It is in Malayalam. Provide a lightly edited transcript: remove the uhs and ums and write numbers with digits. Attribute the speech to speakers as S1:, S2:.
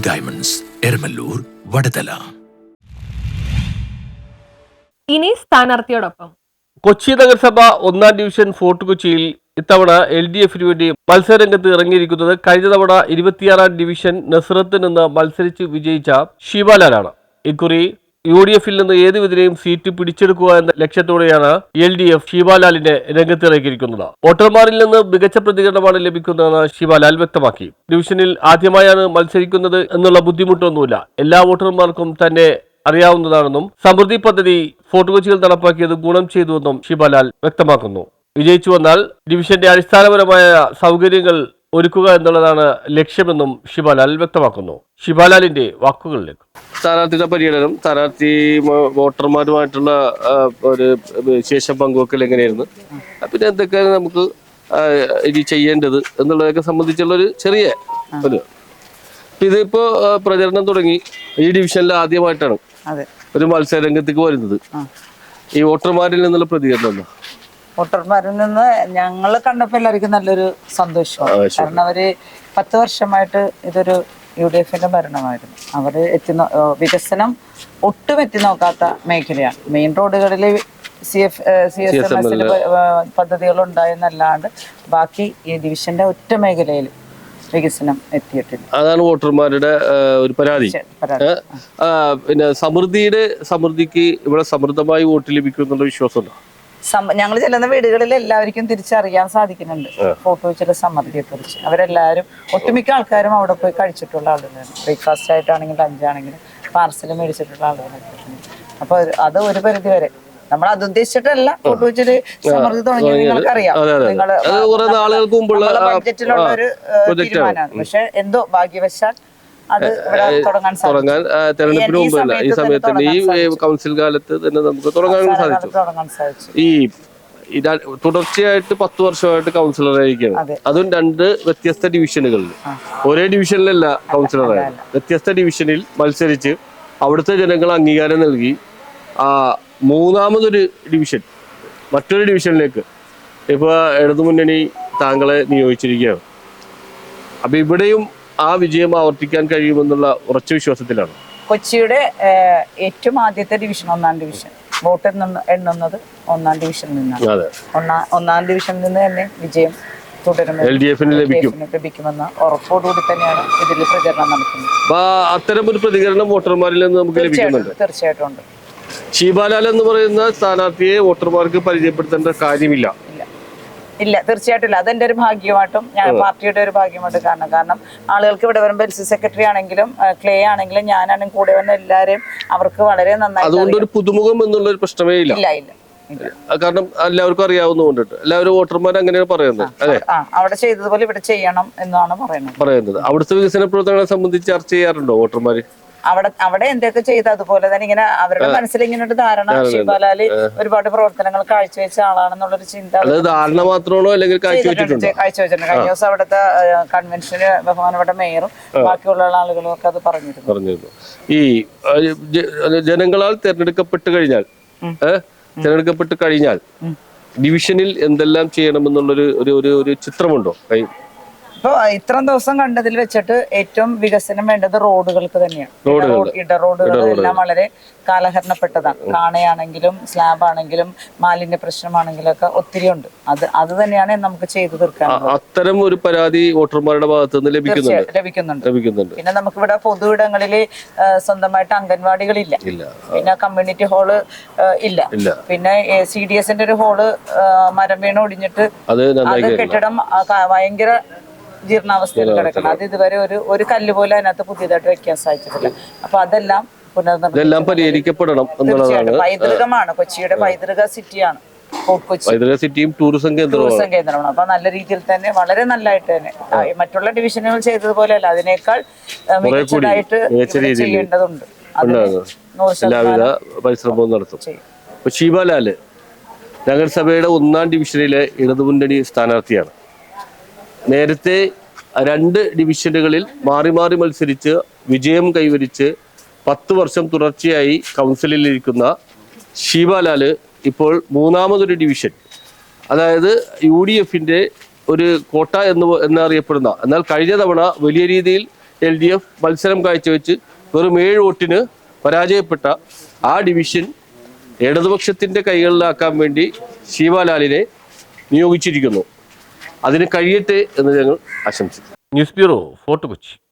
S1: ഡയമണ്ട്സ്, എരമല്ലൂർ, വടതല.
S2: ഇനി സ്ഥാനാർത്ഥിയോടൊപ്പം.
S3: കൊച്ചി നഗരസഭ 1-ാം ഡിവിഷൻ ഫോർട്ട് കൊച്ചിയിൽ ഇത്തവണ LDFന് വേണ്ടി മത്സരരംഗത്ത് ഇറങ്ങിയിരിക്കുന്നത് കഴിഞ്ഞ തവണ 26-ാം ഡിവിഷൻ നസ്രത്തിൽ നിന്ന് മത്സരിച്ച് വിജയിച്ച ഷീബാലാലാണ്. ഇക്കുറി UDFിൽ നിന്ന് ഏത് വിധേനയും സീറ്റ് പിടിച്ചെടുക്കുക എന്ന ലക്ഷ്യത്തോടെയാണ് LDF ഷീബാലാലിനെ രംഗത്തിറക്കിയിരിക്കുന്നത്. വോട്ടർമാരിൽ നിന്ന് മികച്ച പ്രതികരണമാണ് ലഭിക്കുന്നതെന്ന് ഷീബാലാൽ വ്യക്തമാക്കി. ഡിവിഷനിൽ ആദ്യമായാണ് മത്സരിക്കുന്നത് എന്നുള്ള ബുദ്ധിമുട്ടൊന്നുമില്ല. എല്ലാ വോട്ടർമാർക്കും തന്നെ അറിയാവുന്നതാണെന്നും സമൃദ്ധി പദ്ധതി ഫോർട്ട് കൊച്ചിയിൽ നടപ്പാക്കിയത് ഗുണം ചെയ്തുവെന്നും ഷിബാലാൽ വ്യക്തമാക്കുന്നു. വിജയിച്ചു വന്നാൽ ഡിവിഷന്റെ അടിസ്ഥാനപരമായ സൗകര്യങ്ങൾ ഒരുക്കുക എന്നുള്ളതാണ് ലക്ഷ്യമെന്നും ഷിബാലാൽ വ്യക്തമാക്കുന്നു. ഷിബാലാലിന്റെ വാക്കുകളിലേക്ക്. സ്ഥാനാർത്ഥിയുടെ പര്യടനം, സ്ഥാനാർത്ഥി വോട്ടർമാരുമായിട്ടുള്ള ഒരു ശേഷം പങ്കുവെക്കൽ എങ്ങനെയായിരുന്നു, പിന്നെ എന്തൊക്കെയാണ് നമുക്ക് ഇനി ചെയ്യേണ്ടത് എന്നുള്ളതൊക്കെ സംബന്ധിച്ചുള്ള ഒരു ചെറിയ ഒരു ഇതിപ്പോ പ്രചരണം തുടങ്ങി. ഈ ഡിവിഷനിൽ ആദ്യമായിട്ടാണ് ഒരു മത്സര രംഗത്തേക്ക് വരുന്നത്. ഈ വോട്ടർമാരിൽ നിന്നുള്ള പ്രതികരണം
S4: വോട്ടർമാരിൽ നിന്ന് ഞങ്ങൾ കണ്ടപ്പോൾ എല്ലാവർക്കും നല്ലൊരു സന്തോഷമാണ്. കാരണം അവര് 10 വർഷമായിട്ട് ഇതൊരു UDFന്റെ ഭരണമായിരുന്നു. അവര് വികസനം ഒട്ടും എത്തി നോക്കാത്ത മേഖലയാണ്. മെയിൻ റോഡുകളിൽ CSMS പദ്ധതികൾ ഉണ്ടായെന്നല്ലാണ്ട് ബാക്കി ഈ ഡിവിഷന്റെ ഒറ്റ മേഖലയിൽ വികസനം എത്തിയിട്ടില്ല.
S3: അതാണ് വോട്ടർമാരുടെ ഒരു പരാതി. പിന്നെ സമൃദ്ധിക്ക് ഇവിടെ സമൃദ്ധമായി വോട്ട് ലഭിക്കും എന്നുള്ള വിശ്വാസമുണ്ടോ?
S4: ഞങ്ങൾ ചെല്ലുന്ന വീടുകളിൽ എല്ലാവർക്കും തിരിച്ചറിയാൻ സാധിക്കുന്നുണ്ട് ഫോട്ടോ വെച്ചിട്ട് സമൃദ്ധിയെ കുറിച്ച്. അവരെല്ലാവരും ഒട്ടുമിക്ക ആൾക്കാരും അവിടെ പോയി കഴിച്ചിട്ടുള്ള ആളുകളാണ്. ബ്രേക്ക്ഫാസ്റ്റ് ആയിട്ടാണെങ്കിലും ലഞ്ചാണെങ്കിലും പാർസൽ മേടിച്ചിട്ടുള്ള ആളുകളൊക്കെ. അപ്പൊ അത് ഒരു പരിധി വരെ നമ്മൾ അത് ഉദ്ദേശിച്ചിട്ടല്ല ഫോട്ടോ വെച്ചിട്ട് സമൃദ്ധി തുടങ്ങിയത് നിങ്ങൾക്കറിയാം. ബഡ്ജറ്റിലുള്ള ഒരു തീരുമാനമാണ്. പക്ഷെ എന്തോ ഭാഗ്യവശാൽ അത് തുടങ്ങാൻ
S3: തെരഞ്ഞെടുപ്പിന് മുമ്പല്ല, ഈ സമയത്ത് ഈ കൗൺസിൽ കാലത്ത് തന്നെ നമുക്ക് തുടങ്ങാൻ സാധിച്ചു. ഈ തുടർച്ചയായിട്ട് 10 വർഷമായിട്ട് കൗൺസിലറായിരിക്കുകയാണ്. അതും 2 വ്യത്യസ്ത ഡിവിഷനുകളിൽ, ഒരേ ഡിവിഷനിലല്ല കൗൺസിലറായത്. വ്യത്യസ്ത ഡിവിഷനിൽ മത്സരിച്ച് അവിടുത്തെ ജനങ്ങൾ അംഗീകാരം നൽകി മൂന്നാമതൊരു ഡിവിഷൻ, മറ്റൊരു ഡിവിഷനിലേക്ക് ഇപ്പൊ ഇടതുമുന്നണി താങ്കളെ നിയോഗിച്ചിരിക്കുകയാണ്. അപ്പൊ ഇവിടെയും ആ വിജയം ആവർത്തിക്കാൻ കഴിയുമെന്നുള്ള ഉറച്ച വിശ്വാസത്തിലാണ്.
S4: കൊച്ചിയുടെ ഏറ്റവും ആദ്യത്തെ ഡിവിഷൻ 1-ാം ഡിവിഷൻ വോട്ട് എണ്ണുന്നത് 1-ാം ഡിവിഷനിൽ നിന്നാണ്. 1-ാം ഡിവിഷനിൽ നിന്ന് തന്നെ വിജയം തുടരുമെന്ന്
S3: LDFന്
S4: ലഭിക്കുമെന്ന ഉറപ്പോടുകൂടി തന്നെയാണ് ഇതിൽ പ്രചരണം നടത്തുന്നത്.
S3: അത്തരം ഒരു പ്രതികരണം വോട്ടർമാരിൽ നിന്ന് നമുക്ക് ലഭിക്കുന്നുണ്ട്.
S4: തീർച്ചയായിട്ടും ഉണ്ട്.
S3: ഷീബാലാൽ എന്ന് പറയുന്ന സ്ഥാനാർത്ഥിയെ വോട്ടർമാർക്ക് പരിചയപ്പെടുത്തേണ്ട കാര്യമില്ല.
S4: ഇല്ല, തീർച്ചയായിട്ടും ഇല്ല. അതെന്റെ ഒരു ഭാഗ്യമായിട്ടും ഞാൻ പാർട്ടിയുടെ ഒരു ഭാഗ്യമായിട്ടും കാരണം ആളുകൾക്ക് ഇവിടെ വരുമ്പോൾ LC സെക്രട്ടറി ആണെങ്കിലും ക്ലേ ആണെങ്കിലും ഞാനാണെങ്കിലും കൂടെ വന്ന എല്ലാവരെയും അവർക്ക് വളരെ നന്നായി.
S3: അതുകൊണ്ട് ഒരു പുതുമുഖം എന്നുള്ള ഒരു പ്രശ്നമേ ഇല്ല. കാരണം എല്ലാവർക്കും അറിയാവുന്നതുകൊണ്ടിട്ട് എല്ലാവരും വോട്ടർമാർ അങ്ങനെയാണ് പറയുന്നത്. അല്ലെ,
S4: അവിടെ ചെയ്തതുപോലെ ഇവിടെ ചെയ്യണം എന്നാണ് പറയുന്നത്.
S3: അവിടുത്തെ വികസന പ്രവർത്തനങ്ങളെ സംബന്ധിച്ച് ചർച്ച ചെയ്യാറുണ്ടോ വോട്ടർമാര്?
S4: അവിടെ എന്തൊക്കെ ചെയ്ത് അതുപോലെ തന്നെ ഇങ്ങനെ അവരുടെ മനസ്സിൽ ഇങ്ങനെ ഒരു ധാരണ ഷീബാലാല് ഒരുപാട് പ്രവർത്തനങ്ങൾ കാഴ്ചവെച്ച ആളാണെന്നുള്ളൊരു ചിന്ത
S3: ധാരണ മാത്രമാണോ അല്ലെങ്കിൽ
S4: കാഴ്ചവെച്ചിട്ടുണ്ട്. കഴിഞ്ഞ ദിവസം അവിടുത്തെ കൺവെൻഷന് ബഹുമാനപ്പെട്ട മേയറും ബാക്കിയുള്ള ആളുകളും ഒക്കെ അത് പറഞ്ഞിരുന്നു.
S3: ഈ ജനങ്ങളാൽ തെരഞ്ഞെടുക്കപ്പെട്ട് കഴിഞ്ഞാൽ ഡിവിഷനിൽ എന്തെല്ലാം ചെയ്യണമെന്നുള്ളൊരു ചിത്രമുണ്ടോ?
S4: ഇപ്പൊ ഇത്രയും ദിവസം കണ്ടതിൽ വെച്ചിട്ട് ഏറ്റവും വികസനം വേണ്ടത് റോഡുകൾക്ക് തന്നെയാണ്. ഇടറോഡുകളെല്ലാം വളരെ കാലഹരണപ്പെട്ടതാണ്. കാണയാണെങ്കിലും സ്ലാബ് ആണെങ്കിലും മാലിന്യ പ്രശ്നമാണെങ്കിലും ഒക്കെ ഒത്തിരി ഉണ്ട്. അത് തന്നെയാണ് നമുക്ക് ചെയ്തു തീർക്കാൻ.
S3: അത്തരം ഒരു പരാതി വോട്ടർമാരുടെ ഭാഗത്ത് നിന്ന് ലഭിക്കുന്നുണ്ട്.
S4: പിന്നെ നമുക്കിവിടെ പൊതുവിടങ്ങളിൽ സ്വന്തമായിട്ട് അംഗൻവാടികളില്ല, പിന്നെ കമ്മ്യൂണിറ്റി ഹാള് ഇല്ല, പിന്നെ CDSന്റെ ഒരു ഹാള് മരം വീണ് ഒടിഞ്ഞിട്ട് അത് കെട്ടിടം ഭയങ്കര ജീർണാവസ്ഥയിൽ കിടക്കണം. അത് ഇതുവരെ ഒരു കല്ല് പോലും അതിനകത്ത് പുതിയതായിട്ട് വെക്കാൻ സാധിച്ചിട്ടില്ല. അപ്പൊ അതെല്ലാം
S3: പരിഹരിക്കപ്പെടണം.
S4: പൈതൃകമാണ്, കൊച്ചിയുടെ പൈതൃക സിറ്റിയാണ്
S3: സിറ്റിയും ടൂറിസം കേന്ദ്രമാണ്.
S4: അപ്പൊ നല്ല രീതിയിൽ തന്നെ വളരെ നല്ലതായിട്ട് തന്നെ മറ്റുള്ള ഡിവിഷനുകൾ ചെയ്തതുപോലെയല്ല, അതിനേക്കാൾ മികച്ചതായിട്ട് ചെയ്യേണ്ടതുണ്ട്.
S3: എല്ലാവിധ പരിശ്രമവും നടത്തും. ഷീബാലാല് നഗരസഭയുടെ 1-ാം ഡിവിഷനിലെ ഇടതുമുന്നണി സ്ഥാനാർത്ഥിയാണ്. നേരത്തെ 2 ഡിവിഷനുകളിൽ മാറി മാറി മത്സരിച്ച് വിജയം കൈവരിച്ച് 10 വർഷം തുടർച്ചയായി കൗൺസിലിലിരിക്കുന്ന ഷീബാലാല് ഇപ്പോൾ 3ാമതൊരു ഡിവിഷൻ, അതായത് UDFന്റെ ഒരു കോട്ട എന്നറിയപ്പെടുന്ന, എന്നാൽ കഴിഞ്ഞ തവണ വലിയ രീതിയിൽ LDF മത്സരം കാഴ്ചവെച്ച് വെറും 7 വോട്ടിന് പരാജയപ്പെട്ട ആ ഡിവിഷൻ ഇടതുപക്ഷത്തിന്റെ കൈകളിലാക്കാൻ വേണ്ടി ശിവലാലിനെ നിയോഗിച്ചിരിക്കുന്നു. അതിന് കഴിയട്ടെ എന്ന് ഞങ്ങൾ ആശംസിക്കുന്നു. News bureau, fort Kochi.